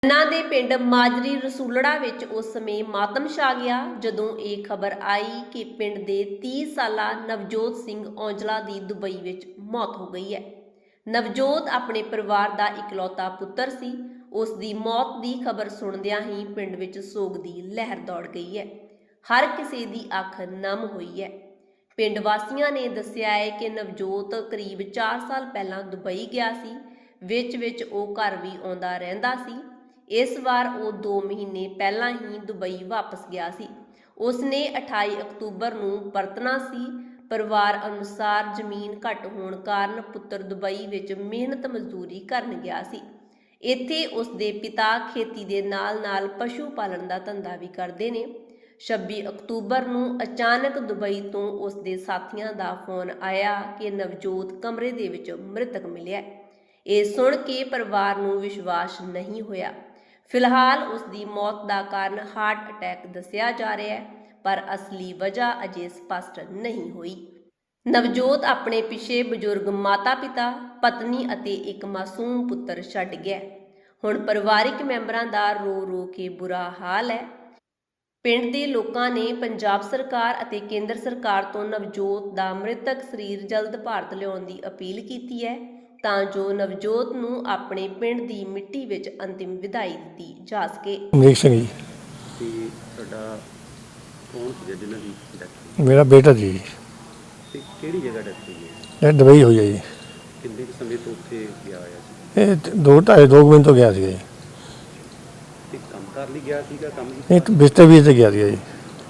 ਇਹਨਾਂ ਦੇ ਪਿੰਡ ਮਾਜਰੀ ਰਸੂਲੜਾ ਵਿੱਚ ਉਸ ਸਮੇਂ ਮਾਤਮ ਛਾ ਗਿਆ ਜਦੋਂ ਇਹ ਖਬਰ ਆਈ ਕਿ ਪਿੰਡ ਦੇ 30 ਸਾਲਾ ਨਵਜੋਤ ਸਿੰਘ ਔਂਜਲਾ ਦੀ ਦੁਬਈ ਵਿੱਚ ਮੌਤ ਹੋ ਗਈ ਹੈ। ਨਵਜੋਤ ਆਪਣੇ ਪਰਿਵਾਰ ਦਾ ਇਕਲੌਤਾ ਪੁੱਤਰ ਸੀ। ਉਸ ਦੀ ਮੌਤ ਦੀ ਖਬਰ ਸੁਣਦਿਆਂ ਹੀ ਪਿੰਡ ਵਿੱਚ ਸੋਗ ਦੀ ਲਹਿਰ ਦੌੜ ਗਈ ਹੈ। ਹਰ ਕਿਸੇ ਦੀ ਅੱਖ ਨਮ ਹੋਈ ਹੈ। ਪਿੰਡ ਵਾਸੀਆਂ ਨੇ ਦੱਸਿਆ ਹੈ ਕਿ ਨਵਜੋਤ ਕਰੀਬ 4 ਸਾਲ ਪਹਿਲਾਂ ਦੁਬਈ ਗਿਆ ਸੀ। ਵਿੱਚ ਉਹ ਘਰ ਵੀ ਆਉਂਦਾ ਰਹਿੰਦਾ ਸੀ। ਇਸ ਵਾਰ ਉਹ 2 ਮਹੀਨੇ ਪਹਿਲਾਂ ਹੀ ਦੁਬਈ ਵਾਪਸ ਗਿਆ ਸੀ। ਉਸਨੇ 28 ਅਕਤੂਬਰ ਨੂੰ ਪਰਤਣਾ ਸੀ। ਪਰਿਵਾਰ ਅਨੁਸਾਰ ਜ਼ਮੀਨ ਘੱਟ ਹੋਣ ਕਾਰਨ ਪੁੱਤਰ ਦੁਬਈ ਵਿੱਚ ਮਿਹਨਤ ਮਜ਼ਦੂਰੀ ਕਰਨ ਗਿਆ ਸੀ। ਇੱਥੇ ਉਸ ਦੇ ਪਿਤਾ ਖੇਤੀ ਦੇ ਨਾਲ-ਨਾਲ ਪਸ਼ੂ ਪਾਲਣ ਦਾ ਧੰਦਾ ਵੀ ਕਰਦੇ ਨੇ। 26 ਅਕਤੂਬਰ ਨੂੰ ਅਚਾਨਕ ਦੁਬਈ ਤੋਂ ਉਸ ਦੇ ਸਾਥੀਆਂ ਦਾ ਫੋਨ ਆਇਆ ਕਿ ਨਵਜੋਤ ਕਮਰੇ ਦੇ ਵਿੱਚ ਮ੍ਰਿਤਕ ਮਿਲਿਆ। ਇਹ ਸੁਣ ਕੇ ਪਰਿਵਾਰ ਨੂੰ ਵਿਸ਼ਵਾਸ ਨਹੀਂ ਹੋਇਆ। ਫਿਲਹਾਲ ਉਸ ਦੀ ਮੌਤ ਦਾ ਕਾਰਨ ਹਾਰਟ ਅਟੈਕ ਦੱਸਿਆ ਜਾ ਰਿਹਾ ਹੈ, ਪਰ ਅਸਲੀ ਵਜ੍ਹਾ ਅਜੇ ਸਪਸ਼ਟ ਨਹੀਂ ਹੋਈ। ਨਵਜੋਤ ਆਪਣੇ ਪਿੱਛੇ ਬਜ਼ੁਰਗ ਮਾਤਾ-ਪਿਤਾ, ਪਤਨੀ ਅਤੇ ਇੱਕ ਮਾਸੂਮ ਪੁੱਤਰ ਛੱਡ ਗਿਆ। ਹੁਣ ਪਰਿਵਾਰਿਕ ਮੈਂਬਰਾਂ ਦਾ ਰੋ-ਰੋ ਕੇ ਬੁਰਾ ਹਾਲ ਹੈ। ਪਿੰਡ ਦੇ ਲੋਕਾਂ ਨੇ ਪੰਜਾਬ ਸਰਕਾਰ ਅਤੇ ਕੇਂਦਰ ਸਰਕਾਰ ਤੋਂ ਨਵਜੋਤ ਦਾ ਮ੍ਰਿਤਕ ਸਰੀਰ ਜਲਦ ਭਾਰਤ ਲਿਆਉਣ ਦੀ ਅਪੀਲ ਕੀਤੀ ਹੈ ਤਾਂ ਜੋ ਨਵਜੋਤ ਨੂੰ ਆਪਣੇ ਪਿੰਡ ਦੀ ਮਿੱਟੀ ਵਿੱਚ ਅੰਤਿਮ ਵਿਦਾਈ ਦਿੱਤੀ ਜਾ ਸਕੇ। ਅਮਰੀਕ ਸਿੰਘ ਜੀ। ਤੇ ਤੁਹਾਡਾ ਕੌਣ ਸੀ ਜਿਹਨਾਂ ਦੀ ਡੈਥ? ਮੇਰਾ ਬੇਟਾ ਜੀ। ਤੇ ਕਿਹੜੀ ਜਗ੍ਹਾ ਡੈਥ ਹੋਈ ਹੈ? ਇਹ ਦੁਬਈ ਹੋਈ ਹੈ ਜੀ। ਕਿੰਨੇ ਕੁ ਸਮੇਂ ਤੋਂ ਉੱਥੇ ਗਿਆ ਹੋਇਆ ਸੀ? ਇਹ 2 ਮਹੀਨੇ ਤੋਂ ਗਿਆ ਸੀਗਾ ਜੀ। ਤੇ ਕੰਮ ਕਰ ਲਈ ਗਿਆ ਸੀਗਾ? ਕੰਮ ਇਹ ਬਿਸਤਰ ਵੀ ਤੇ ਗਿਆ ਸੀਗਾ ਜੀ।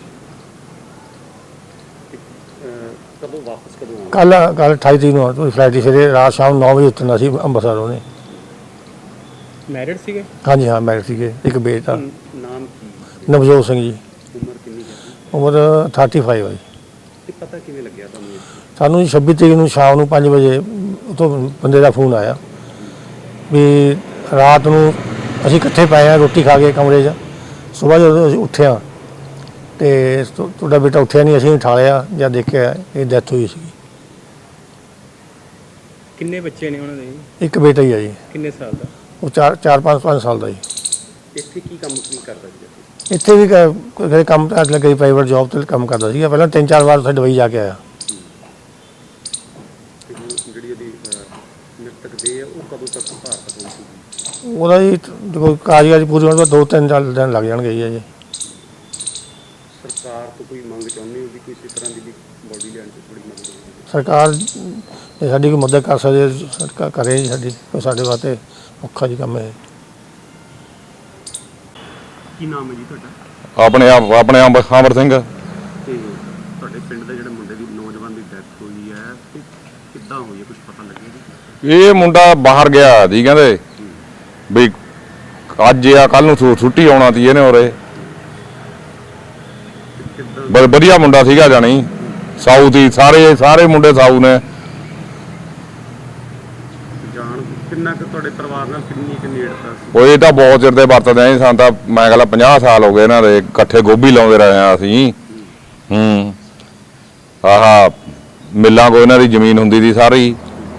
ਕਦੋਂ ਵਾਪਸ ਕਦੋਂ ਆਉਣਾ? ਕੱਲ 28 ਤਰੀਕ ਨੂੰ ਉਹਦੀ ਫਲਾਈਟ ਸੀ। ਫਿਰ ਰਾਤ ਸ਼ਾਮ 9 ਵਜੇ ਉਤਰਨਾ ਸੀ ਅੰਮ੍ਰਿਤਸਰ ਉਹਨੇ। ਮੈਰਿਡ ਸੀਗੇ? ਹਾਂਜੀ ਹਾਂ, ਮੈਰਿਡ ਸੀਗੇ। ਇੱਕ ਬੇਟਾ। ਨਾਮ ਕੀ? ਨਵਜੋਤ ਸਿੰਘ ਜੀ। ਉਮਰ ਕਿੰਨੀ ਹੈ? ਉਮਰ 35 ਹੈ ਜੀ। ਤੇ ਪਤਾ ਕਿਵੇਂ ਲੱਗਿਆ ਤੁਹਾਨੂੰ? ਸਾਨੂੰ 26 ਤਰੀਕ ਨੂੰ ਸ਼ਾਮ ਨੂੰ 5 ਵਜੇ ਉੱਥੋਂ ਬੰਦੇ ਦਾ ਫੋਨ ਆਇਆ ਵੀ ਰਾਤ ਨੂੰ ਅਸੀਂ ਇਕੱਠੇ ਪਏ ਹਾਂ ਰੋਟੀ ਖਾ ਕੇ ਕਮਰੇ 'ਚ। ਸੁਬਾਹ ਜਦੋਂ ਅਸੀਂ ਉੱਠਿਆ ਤੇ ਤੁਹਾਡਾ ਬੇਟਾ ਉੱਠਿਆ ਨਹੀਂ। ਅਸੀਂ ਉਠਾਲਿਆ, ਜਦ ਦੇਖਿਆ ਇਹ ਡੈਥ ਹੋਈ ਸੀ। ਕਿੰਨੇ ਬੱਚੇ ਨੇ ਉਹਨਾਂ ਦੇ? ਇੱਕ ਬੇਟਾ ਹੀ ਹੈ ਜੀ। ਕਿੰਨੇ ਸਾਲ ਦਾ? ਉਹ 4-5 ਸਾਲ ਦਾ ਜੀ। ਇੱਥੇ ਕੀ ਕੰਮ ਕਰਦਾ ਸੀ? ਇੱਥੇ ਵੀ ਕੋਈ ਕੰਮ ਲੱਗੇ, ਪ੍ਰਾਈਵੇਟ ਜੌਬ 'ਤੇ ਕੰਮ ਕਰਦਾ ਸੀਗਾ। ਪਹਿਲਾਂ 3-4 ਵਾਰ ਉੱਥੇ ਦੁਬਈ ਜਾ ਕੇ ਆਇਆ। ਜਿਹੜੀ ਉਹਦੀ ਮ੍ਰਿਤਕ ਦੇਹ ਉਹ ਕਦੋਂ ਤੱਕ ਭਾਰਤ ਪਹੁੰਚੂਗੀ? ਉਹਦਾ ਜੀ ਕੋਈ ਕਾਰਜ ਪੂਰੀ ਹੋਣ ਤੋਂ 2-3 ਦਿਨ ਲੱਗ ਜਾਣਗੇ ਜੀ। ਸਰਕਾਰ ਤੋਂ ਕੋਈ ਮੰਗ ਚਾਹੁੰਦੇ ਹੋ ਵੀ ਕਿਸੇ ਤਰ੍ਹਾਂ ਦੀ ਵੀ ਬੋਡੀ ਲੈਣ 'ਚ ਥੋੜੀ ਮਦਦ ਹੋਵੇ? ਸਰਕਾਰ ਜੇ ਸਾਡੀ ਕੋਈ ਮਦਦ ਕਰ ਸਕਦੀ ਹੈ, ਸਰਕਾਰ ਕਰੇ ਜੀ ਸਾਡੀ। ਕੋਈ ਸਾਡੇ ਵਾਸਤੇ ਔਖਾ ਜੀ ਕੰਮ ਹੈ। ਕੀ ਨਾਮ ਹੈ ਜੀ ਤੁਹਾਡਾ? ਆਪਣੇ ਆਪ ਅਮਰ ਸਿੰਘ। ਤੇ ਤੁਹਾਡੇ ਪਿੰਡ ਦੇ ਜਿਹੜੇ ਮੁੰਡੇ ਦੀ ਨੌਜਵਾਨ ਦੀ ਡੈਥ ਹੋਈ ਹੈ ਤੇ ਕਿੱਦਾਂ ਹੋਈ ਹੈ, ਕੁਝ ਪਤਾ ਲੱਗਿਆ ਜੀ? ਇਹ ਮੁੰਡਾ ਬਾਹਰ ਗਿਆ ਜੀ, ਕਹਿੰਦੇ ਵੀ ਅੱਜ ਆ ਕੱਲ ਨੂੰ ਛੁੱਟੀ ਆਉਣਾ ਸੀ ਇਹਨੇ। ਉਰੇ ਵਧੀਆ ਮੁੰਡਾ ਸੀਗਾ, ਜਾਣੀ ਸਾਊ ਸੀ। ਸਾਰੇ ਮੁੰਡੇ ਸਾਊ ਨੇ। ਜਾਣ ਕਿੰਨਾ ਕੁ ਤੁਹਾਡੇ ਪਰਿਵਾਰ ਨਾਲ ਕਿੰਨੀ ਕੁ ਨੇੜਤਾ ਸੀ? ਉਹ ਇਹ ਤਾਂ ਬਹੁਤ ਚਿਰ ਦੇ ਵਰਤਦੇ ਆਂ। ਸਾਨੂੰ ਤਾਂ ਮੈਂ ਕਹਿੰਦਾ 50 ਸਾਲ ਹੋ ਗਏ ਇਹਨਾਂ ਦੇ ਇਕੱਠੇ ਗੋਭੀ ਲਾਉਂਦੇ ਰਹੇ ਆ ਅਸੀਂ। ਆਹ ਮਿੱਲਾਂ ਕੋ ਇਹਨਾਂ ਦੀ ਜ਼ਮੀਨ ਹੁੰਦੀ ਸੀ ਸਾਰੀ।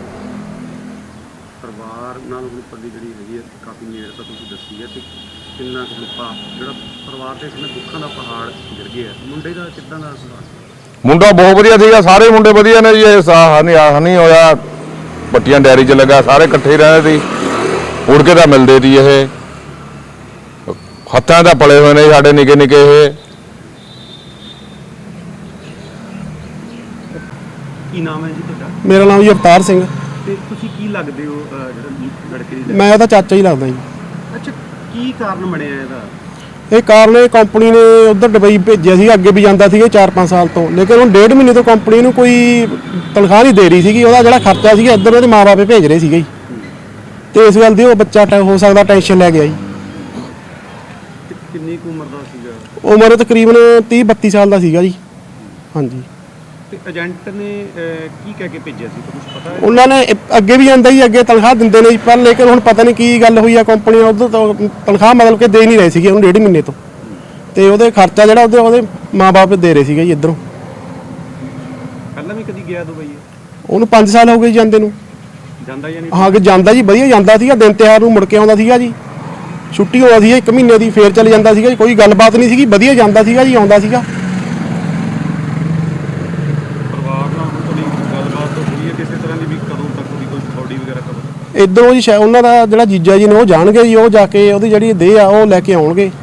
ਪਰਿਵਾਰ ਨਾਲ ਹੁਣ ਤੁਹਾਡੀ ਜਿਹੜੀ ਹੈਗੀ ਹੈ ਕਾਫੀ ਨੇੜਤਾ ਤੁਸੀਂ ਦੱਸੀ ਹੈ, ਤੇ ਕਿੰਨਾ ਕੁ ਜਿਹੜਾ ਪਰਿਵਾਰ ਦੇ ਇਸ ਦੁੱਖਾਂ ਦਾ ਪਹਾੜ ਗਿਰ ਗਿਆ। ਮੁੰਡੇ ਦਾ ਕਿੱਦਾਂ ਦਾ ਸੁਭਾਅ? ਮੁੰਡਾ ਬਹੁਤ ਵਧੀਆ ਸੀਗਾ। ਸਾਰੇ ਮੁੰਡੇ ਵਧੀਆ ਨੇ ਜੀ। ਇਹ ਨਹੀਂ ਹੋਇਆ ਪੱਟੀਆਂ ਡੈਰੀ 'ਚ ਲੱਗਾ। ਸਾਰੇ ਇਕੱਠੇ ਹੀ ਰਹਿੰਦੇ ਸੀ। ਉੜ ਕੇ ਤਾਂ ਮਿਲਦੇ ਸੀ। ਇਹ ਹੱਥਾਂ ਦਾ ਪਲੇ ਹੋਏ ਨੇ ਸਾਡੇ ਨਿੱਕੇ ਨਿੱਕੇ। ਇਹ ਕੀ ਨਾਮ ਹੈ ਜੀ ਤੁਹਾਡਾ? ਮੇਰਾ ਨਾਮ ਜੀ ਅਵਤਾਰ ਸਿੰਘ। ਤੇ ਤੁਸੀਂ ਕੀ ਲੱਗਦੇ ਹੋ ਜਿਹੜਾ ਲੜਕੇ ਦੀ? ਮੈਂ ਉਹਦਾ ਚਾਚਾ ਹੀ ਲੱਗਦਾ ਜੀ। ਅੱਛਾ, ਕੀ ਕਾਰਨ ਬਣਿਆ ਇਹਦਾ? ਇਹ ਕਾਰਨ ਇਹ ਕੰਪਨੀ ਨੇ ਉੱਧਰ ਦੁਬਈ ਭੇਜਿਆ ਸੀ। ਅੱਗੇ ਵੀ ਜਾਂਦਾ ਸੀਗਾ 4-5 ਸਾਲ ਤੋਂ, ਲੇਕਿਨ ਹੁਣ 1.5 ਮਹੀਨੇ ਤੋਂ ਕੰਪਨੀ ਨੂੰ ਕੋਈ ਤਨਖਾਹ ਨਹੀਂ ਦੇ ਰਹੀ ਸੀਗੀ। ਉਹਦਾ ਜਿਹੜਾ ਖਰਚਾ ਸੀਗਾ ਇੱਧਰ ਉਹਦੇ ਮਾਂ-ਬਾਪ ਭੇਜ ਰਹੇ ਸੀਗੇ ਜੀ। ਤੇ ਇਸ ਗੱਲ ਦੀ ਉਹ ਬੱਚਾ ਹੋ ਸਕਦਾ ਟੈਨਸ਼ਨ ਲੈ ਗਿਆ ਜੀ। ਕਿੰਨੀ ਕੁ ਉਮਰ ਦਾ ਸੀਗਾ? ਉਮਰ ਤਕਰੀਬਨ 30-32 ਸਾਲ ਦਾ ਸੀਗਾ ਜੀ। ਹਾਂਜੀ। ਤੇ ਏਜੰਟ ਨੇ ਕੀ ਕਹਿ ਕੇ ਭੇਜਿਆ ਸੀ, ਕੁਝ ਪਤਾ ਹੈ? ਉਹਨਾਂ ਨੇ ਅੱਗੇ ਵੀ ਜਾਂਦਾ ਜੀ, ਅੱਗੇ ਤਨਖਾਹ ਦਿੰਦੇ ਨੇ ਜੀ, ਪਰ ਲੇਕਿਨ ਹੁਣ ਪਤਾ ਨਹੀਂ ਕੀ ਗੱਲ ਹੋਈ ਆ। ਕੰਪਨੀ ਉੱਧਰ ਤੋਂ ਤਨਖਾਹ ਮਤਲਬ ਕਿ ਦੇ ਨਹੀਂ ਰਹੇ ਸੀਗੇ ਹੁਣ 1.5 ਮਹੀਨੇ ਤੋਂ। ਤੇ ਉਹਦੇ ਖਰਚਾ ਜਿਹੜਾ ਉਹਦੇ ਮਾਂ-ਬਾਪ ਦੇ ਰਹੇ ਸੀਗੇ ਜੀ ਇੱਧਰੋਂ। ਪਹਿਲਾਂ ਵੀ ਕਦੀ ਗਿਆ ਦੁਬਈ? ਉਹਨੂੰ 5 ਸਾਲ ਹੋ ਗਏ ਜਾਂਦੇ ਨੂੰ। ਜਾਂਦਾ ਜਾਂ ਨਹੀਂ? ਹਾਂ, ਕਿ ਜਾਂਦਾ ਜੀ, ਵਧੀਆ ਜਾਂਦਾ ਸੀਗਾ। ਦਿਨ ਤਿਉਹਾਰ ਨੂੰ ਮੁੜ ਕੇ ਆਉਂਦਾ ਸੀਗਾ ਜੀ। ਛੁੱਟੀ ਹੋਣਾ ਸੀ 1 ਮਹੀਨੇ ਦੀ, ਫੇਰ ਚਲੇ ਜਾਂਦਾ ਸੀਗਾ ਜੀ। ਕੋਈ ਗੱਲਬਾਤ ਨਹੀਂ ਸੀਗੀ, ਵਧੀਆ ਜਾਂਦਾ ਸੀਗਾ ਜੀ, ਆਉਂਦਾ ਸੀਗਾ। ਪਰਿਵਾਰ ਨਾਲ ਹੁਣ ਤੁਹਾਡੀ ਗੱਲਬਾਤ ਹੋਈ ਹੈ ਕਿਸੇ ਤਰ੍ਹਾਂ ਦੀ ਵੀ ਕਦੋਂ ਤੱਕ ਦੀ ਕੋਈ ਥੋੜੀ ਵਗੈਰਾ ਕਦੋਂ? ਇੱਧਰੋਂ ਜੀ ਸ਼ਾਇਦ ਉਹਨਾਂ ਦਾ ਜਿਹੜਾ ਜੀਜਾ ਜੀ ਨੇ ਉਹ ਜਾਣਗੇ ਜੀ, ਉਹ ਜਾ ਕੇ ਉਹਦੀ ਜਿਹੜੀ ਦੇਹ ਆ ਉਹ ਲੈ ਕੇ ਆਉਣਗੇ।